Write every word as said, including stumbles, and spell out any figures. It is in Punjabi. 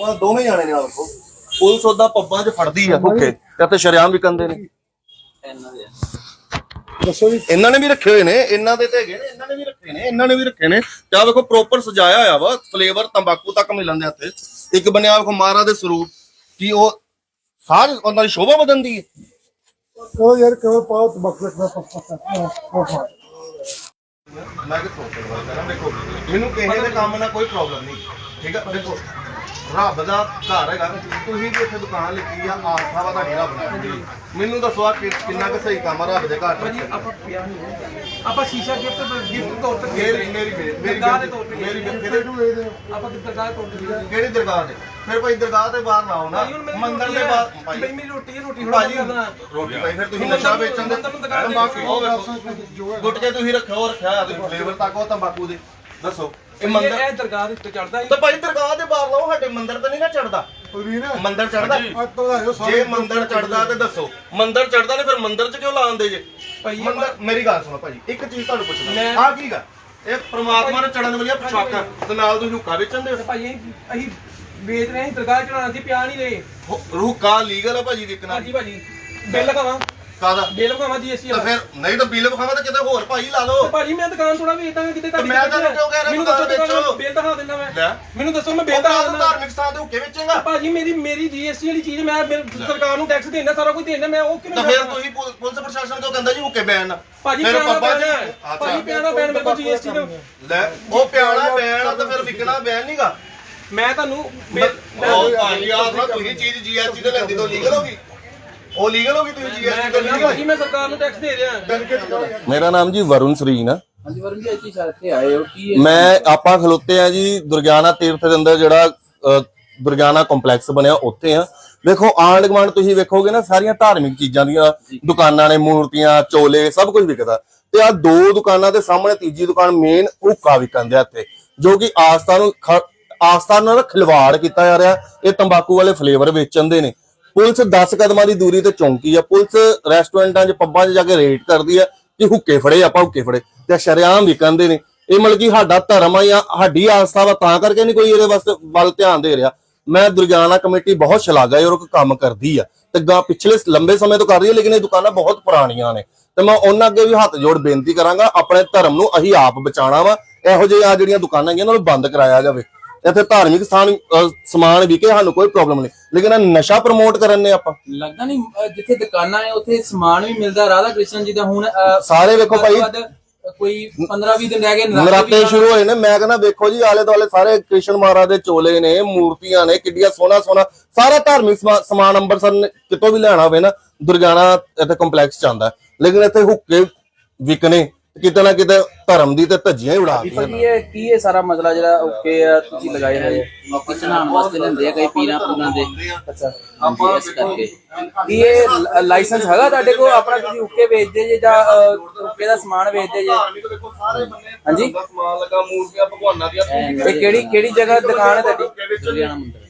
ਦੋਵੇਂ ਜਾਣੇ ਨੇ। ਆਖੋ ਪੁਲਿਸ ਉਹਦਾ ਪੱਬਾਂ 'ਚ ਫੜਦੀ ਆ ਓਕੇ ਤੇ ਸ਼ਰੇਆਮ ਵਿਕਣਦੇ ਨੇ। ਦੱਸੋ ਜੀ। ਇਹਨਾਂ ਨੇ ਵੀ ਰੱਖੇ ਹੋਏ ਨੇ, ਇਹਨਾਂ ਦੇ ਤੇ ਹੈਗੇ ਨੇ, ਇਹਨਾਂ ਨੇ ਵੀ ਰੱਖੇ ਨੇ, ਇਹਨਾਂ ਨੇ ਵੀ ਰੱਖੇ ਨੇ। ਤੇ ਆਹ ਵੇਖੋ ਪ੍ਰੋਪਰ ਸਜਾਇਆ ਹੋਇਆ ਵਾ, ਫਲੇਵਰ ਤੰਬਾਕੂ ਤੱਕ ਮਿਲਣ ਦੇ ਹੱਥੇ। ਇੱਕ ਬਣਿਆ ਵੇਖੋ ਮਹਾਰਾਜ ਦੇ ਸਰੂਪ, ਕੀ ਉਹ ਸਾਰੀ ਉਹਨਾਂ ਦੀ ਸ਼ੋਭਾ ਵਧਣਦੀ ਹੈ। ਉਹ ਯਾਰ ਕਿਉਂ ਪਾਓ ਤੰਬਾਕੂ ਰੱਖਣਾ ਪੱਪਾ ਮੈਂ ਕਿ ਸੋਚ ਰਿਹਾ ਕਰਾਂ। ਦੇਖੋ ਮੈਨੂੰ ਕਿਸੇ ਦੇ ਕੰਮ ਨਾਲ ਕੋਈ ਪ੍ਰੋਬਲਮ ਨਹੀਂ, ਠੀਕ ਆ। ਦੇਖੋ ਰੱਬ ਦਾ ਘਰ ਹੈਗਾ, ਤੁਸੀਂ ਵੀ ਇੱਥੇ ਦੁਕਾਨ ਲਿਖੀ ਆ, ਆਸਥਾ ਵਾ ਤੁਹਾਡੀ ਰੱਬ ਨਾਲ। ਮੈਨੂੰ ਦੱਸੋ ਆ ਕਿੰਨਾ ਕੁ ਸਹੀ ਕੰਮ ਆ ਰੱਬ ਦੇ ਘਰ ਚ। ਆਪਾਂ ਆਪਾਂ ਸ਼ੀਸ਼ਾ ਗਿਫਟ ਗਿਫਟ ਤੌਰ ਤੇ ਮੇਰੀ ਮੇਰੀ ਮੇਰੀ ਦਰਗਾਹ ਦੇ ਤੌਰ ਤੇ ਮੇਰੀ ਆਪਾਂ ਦਰਗਾਹ ਤੌਰ ਤੇ ਕਿਹੜੀ ਦਰਗਾਹ ਤੇ? ਫਿਰ ਭਾਈ ਦਰਗਾਹ ਤੇ ਬਾਹਰ ਲਾਓ ਨਾ, ਮੰਦਿਰ ਦੇ ਬਾਹਰ। ਭਾਈ ਮੇਰੀ ਰੋਟੀ ਰੋਟੀ ਭਾਜੀ ਰੋਟੀ ਭਾਈ ਫਿਰ ਤੁਸੀਂ ਨਸ਼ਾ ਵੇਚਣ ਦੇ ਤੰਬਾਕੂ ਗੁੱਟ ਕੇ ਤੁਸੀਂ ਰੱਖੋ ਰੱਖਿਆ ਤੁਸੀਂ ਫਲੇਵਰ ਤੱਕ ਉਹ ਤੰਬਾਕੂ ਦੇ। ਦੱਸੋ ਇਹ ਮੰਦਿਰ ਇਹ ਦਰਗਾਹ ਦੇ ਉੱਤੇ ਚੜਦਾ ਤਾਂ ਭਾਈ ਦਰਗਾਹ ਦੇ ਬਾਹਰ ਲਾਓ, ਸਾਡੇ ਮੰਦਿਰ ਤੇ ਨਹੀਂ ਨਾ ਚੜਦਾ। ਮੰਦਿਰ ਚੜਦਾ ਜੇ ਮੰਦਿਰ ਚੜਦਾ ਤੇ ਦੱਸੋ ਮੰਦਿਰ ਚੜਦਾ ਨੇ ਫਿਰ ਮੰਦਿਰ ਚ ਕਿਉਂ ਲਾਉਂਦੇ ਜੇ? ਮੰਦਿਰ ਮੇਰੀ ਗੱਲ ਸੁਣੋ ਭਾਜੀ, ਇੱਕ ਚੀਜ਼ ਤੁਹਾਨੂੰ ਪੁੱਛਣਾ, ਆਹ ਕੀ ਗਾ? ਇਹ ਪ੍ਰਮਾਤਮਾ ਨੇ ਚੜਨ ਵਾਲੀਆਂ ਪਛਾਕਾਂ ਤੇ ਨਾਲ ਤੁਸੀਂ ਹੁੱਕਾ ਵੇਚਣ ਦੇ। ਭਾਈ ਅਸੀਂ ਵੇਚ ਰਹੇ ਹਾਂ, ਦਰਗਾਹ ਚੜਾਉਣਾ ਸੀ, ਪਿਆ ਨਹੀਂ ਰਹੇ। ਹੁੱਕਾ ਲੀਗਲ ਆ ਭਾਜੀ ਵਿਕਣਾ? ਹਾਂਜੀ ਭਾਜੀ ਬਿੱਲ ਲਗਾਵਾਂ ਕਾਦਾ ਬਿੱਲ ਲਗਾਵਾਂ ਜੀਐਸਟੀ ਤਾਂ ਫਿਰ ਨਹੀਂ ਤਾਂ ਬਿੱਲ ਵਿਖਾਵਾਂ ਤਾਂ ਕਿਤੇ ਹੋਰ ਭਾਈ ਲਾ ਲਓ। ਭਾਜੀ ਮੈਂ ਦੁਕਾਨ ਥੋੜਾ ਵੇਚਦਾ ਕਿਤੇ ਘੱਟ। ਮੈਂ ਤੁਹਾਨੂੰ ਕਿਉਂ ਕਹਿ ਰਿਹਾ ਮੈਨੂੰ ਦੁਕਾਨ ਦੱਸੋ ਵੇਚੋ। ਬਿੱਲ ਦਿਖਾ ਦਿੰਦਾ ਮੈਂ। ਲੈ ਮੈਨੂੰ ਦੱਸੋ ਮੈਂ ਬਿੱਲ ਦਿਖਾ ਦਿੰਦਾ। ਧਾਰਮਿਕ ਸਥਾਨ ਦੇ ਹੁੱਕੇ ਵੇਚੇਗਾ ਭਾਜੀ ਮੇਰੀ ਮੇਰੀ ਜੀਐਸਟੀ ਵਾਲੀ ਚੀਜ਼ ਮੈਂ ਸਰਕਾਰ ਨੂੰ ਟੈਕਸ ਦੇਣਾ, ਸਾਰਾ ਕੁਝ ਦੇਣਾ, ਮੈਂ ਉਹ ਕਿਉਂ ਤਾਂ ਫਿਰ ਤੁਸੀਂ ਪੁਲਿਸ ਪ੍ਰਸ਼ਾਸਨ ਕਿਉਂ ਕਹਿੰਦਾ ਜੀ ਹੁੱਕੇ ਬੈਨ? ਭਾਜੀ ਪਿਆਣਾ ਬੈਨ ਭਾਜੀ ਪਿਆਣਾ ਬੈਨ ਮੇਰੇ ਕੋਲ ਜੀਐਸਟੀ ਦਾ। ਲੈ ਉਹ ਪਿਆਣਾ ਬੈਨ ਆ ਤਾਂ ਫਿਰ ਵਿਕਣਾ ਬੈਨ ਨਹੀਂਗਾ। ਮੈਂ ਤੁਹਾਨੂੰ ਉਹ ਭਾਜੀ ਆਹ ਤੁਸੀਂ ਚੀਜ਼ ਜੀਐਸਟੀ ਤੇ ਲੈਂਦੀ ਤੋਂ ਲੀਗਲ ਹੋਗੀ, ਉਹ ਲੀਗਲ ਹੋਗੀ, ਤੁਸੀਂ ਜੀਐਸਟੀ ਤੇ ਲੀਗਲ। ਭਾਜੀ ਮੈਂ ਸਰਕਾਰ ਨੂੰ ਟੈਕਸ ਦੇ ਰਿਹਾ। ਮੇਰਾ ਨਾਮ ਜੀ ਵਰੁਣ ਸਰੀਨ ਆ। ਹਾਂਜੀ ਵਰੁਣ ਜੀ, ਇੱਥੇ ਇੱਥੇ ਆਏ ਹੋ ਕੀ? ਮੈਂ ਆਪਾਂ ਖਲੋਤੇ ਆ ਜੀ ਦੁਰਗਿਆਨਾ ਤੀਰਥ ਦੇ ਅੰਦਰ, ਜਿਹੜਾ ਦੁਰਗਿਆਨਾ ਕੰਪਲੈਕਸ ਬਣਿਆ ਉੱਥੇ ਆ। ਵੇਖੋ ਆਂਢ ਗੁਆਂਢ ਤੁਸੀਂ ਵੇਖੋਗੇ ਨਾ, ਸਾਰੀਆਂ ਧਾਰਮਿਕ ਚੀਜ਼ਾਂ ਦੀਆਂ ਦੁਕਾਨਾਂ ਨੇ, ਮੂਰਤੀਆਂ, ਚੋਲੇ, ਸਭ ਕੁਝ ਵਿਕਦਾ। ਤੇ ਆ ਦੋ ਦੁਕਾਨਾਂ ਦੇ ਸਾਹਮਣੇ ਤੀਜੀ ਦੁਕਾਨ ਮੇਨ ਹੁੱਕਾ ਵਿਕਣ ਦੇ ਇੱਥੇ, ਜੋ ਕਿ ਆਸਥਾ ਨੂੰ ਆਸਥਾ ਨਾਲ ਖਿਲਵਾੜ ਕੀਤਾ ਜਾ ਰਿਹਾ। ਇਹ ਤੰਬਾਕੂ ਵਾਲੇ ਫਲੇਵਰ ਵੇਚਣ ਦੇ ਨੇ। ਪੁਲਿਸ ਦਸ ਕਦਮਾਂ ਦੀ ਦੂਰੀ ਤੇ ਚੌਂਕੀ ਆ। ਪੁਲਿਸ ਰੈਸਟੋਰੈਂਟਾਂ 'ਚ ਪੱਬਾਂ 'ਚ ਜਾ ਕੇ ਰੇਡ ਕਰਦੀ ਆ ਕਿ ਹੁੱਕੇ ਫੜੇ, ਆਪਾਂ ਹੁੱਕੇ ਫੜੇ, ਤੇ ਸ਼ਰੇਆਮ ਵਿਕਣਦੇ ਨੇ। ਇਹ ਮਤਲਬ ਕਿ ਸਾਡਾ ਧਰਮ ਆ ਜਾਂ ਸਾਡੀ ਆਸਥਾ ਵਾ, ਤਾਂ ਕਰਕੇ ਨਹੀਂ ਕੋਈ ਇਹਦੇ ਵਾਸਤੇ ਵੱਲ ਧਿਆਨ ਦੇ ਰਿਹਾ। ਮੈਂ ਦੁਰਗਿਆਨਾ ਕਮੇਟੀ ਬਹੁਤ ਸ਼ਲਾਘਾਯੋਗ ਕੰਮ ਕਰਦੀ ਆ ਤੇ ਗਾ ਪਿਛਲੇ ਲੰਬੇ ਸਮੇਂ ਤੋਂ ਕਰ ਰਹੀ ਹੈ, ਲੇਕਿਨ ਇਹ ਦੁਕਾਨਾਂ ਬਹੁਤ ਪੁਰਾਣੀਆਂ ਨੇ ਤੇ ਮੈਂ ਉਹਨਾਂ ਅੱਗੇ ਵੀ ਹੱਥ ਜੋੜ ਬੇਨਤੀ ਕਰਾਂਗਾ, ਆਪਣੇ ਧਰਮ ਨੂੰ ਅਸੀਂ ਆਪ ਬਚਾਉਣਾ ਵਾ। ਇਹੋ ਜਿਹੇ ਆ ਜਿਹੜੀਆਂ ਦੁਕਾਨਾਂ ਹੈਗੀਆਂ ਉਹਨਾਂ ਨੂੰ ਬੰਦ ਕਰਾਇਆ ਜਾਵੇ। ਇੱਥੇ ਧਾਰਮਿਕ ਸਥਾਨ ਸਮਾਨ ਵਿਕੇ, ਸਾਨੂੰ ਕੋਈ ਪ੍ਰੋਬਲਮ ਨਹੀਂ, ਲੇਕਿਨ ਨਸ਼ਾ ਪ੍ਰਮੋਟ ਕਰਨ ਨੇ ਆਪਾਂ। ਲੱਗਦਾ ਨਹੀਂ ਜਿੱਥੇ ਦੁਕਾਨਾਂ ਹੈ ਉੱਥੇ ਸਮਾਨ ਵੀ ਮਿਲਦਾ। ਰਾਧਾ ਕ੍ਰਿਸ਼ਨ ਜੀ ਦਾ ਹੁਣ ਸਾਰੇ ਵੇਖੋ ਭਾਈ ਕੋਈ ਪੰਦਰਾਂ ਵੀਹ ਦਿਨ ਰਹਿ ਗਏ, ਨਰਾਤੇ ਸ਼ੁਰੂ ਹੋਏ ਨੇ। ਮੈਂ ਕਹਿੰਦਾ ਵੇਖੋ ਜੀ ਆਲੇ ਦੁਆਲੇ ਸਾਰੇ ਕ੍ਰਿਸ਼ਨ ਮਹਾਰਾਜ ਦੇ ਚੋਲੇ ਨੇ, ਮੂਰਤੀਆਂ ਨੇ, ਕਿੱਡੀਆਂ ਸੋਹਣਾ ਸੋਹਣਾ ਸਾਰਾ ਧਾਰਮਿਕ ਸਮਾਨ ਅੰਮ੍ਰਿਤਸਰ ਕਿਤੋਂ ਵੀ ਲੈਣਾ ਹੋਵੇ ਨਾ, ਦੁਰਗਿਆਨਾ ਇੱਥੇ ਕੰਪਲੈਕਸ ਚ ਆਉਂਦਾ। ਲੇਕਿਨ ਇੱਥੇ ਹੁੱਕੇ ਵਿਕਣੇ ਕਿਤੇ ਨਾ ਕਿਤੇ ਧਰਮ ਦੀ ਤੇ ਧੱਜੀਆਂ ਹੀ ਉਡਾ ਦਿੱਤੀਆਂ। ਕੀ ਹੈ ਕੀ ਇਹ ਸਾਰਾ ਮਸਲਾ ਜਿਹੜਾ ਓਕੇ ਆ ਤੁਸੀਂ ਲਗਾਏ ਹੋਏ ਕਿਸੇ ਨਾਮ ਵਾਸਤੇ ਲੈਂਦੇ ਆ ਕਈ ਪੀਰਾਂ ਪੂਰਾਂ ਦੇ? ਅੱਛਾ ਆਪਾਂ ਇਸ ਕਰਕੇ ਕੀ ਇਹ ਲਾਇਸੈਂਸ ਹੈਗਾ ਤੁਹਾਡੇ ਕੋਲ ਆਪਣਾ? ਤੁਸੀਂ ਓਕੇ ਵੇਚਦੇ ਜੇ ਜਾਂ ਓਕੇ ਦਾ ਸਮਾਨ ਵੇਚਦੇ ਜੇ? ਹਾਂਜੀ ਸਮਾਨ ਲੱਗਾ, ਮੂਰਤੀਆਂ ਭਗਵਾਨਾਂ ਦੀਆਂ। ਇਹ ਕਿਹੜੀ ਕਿਹੜੀ ਜਗ੍ਹਾ ਦੁਕਾਨ ਹੈ ਤੁਹਾਡੀ?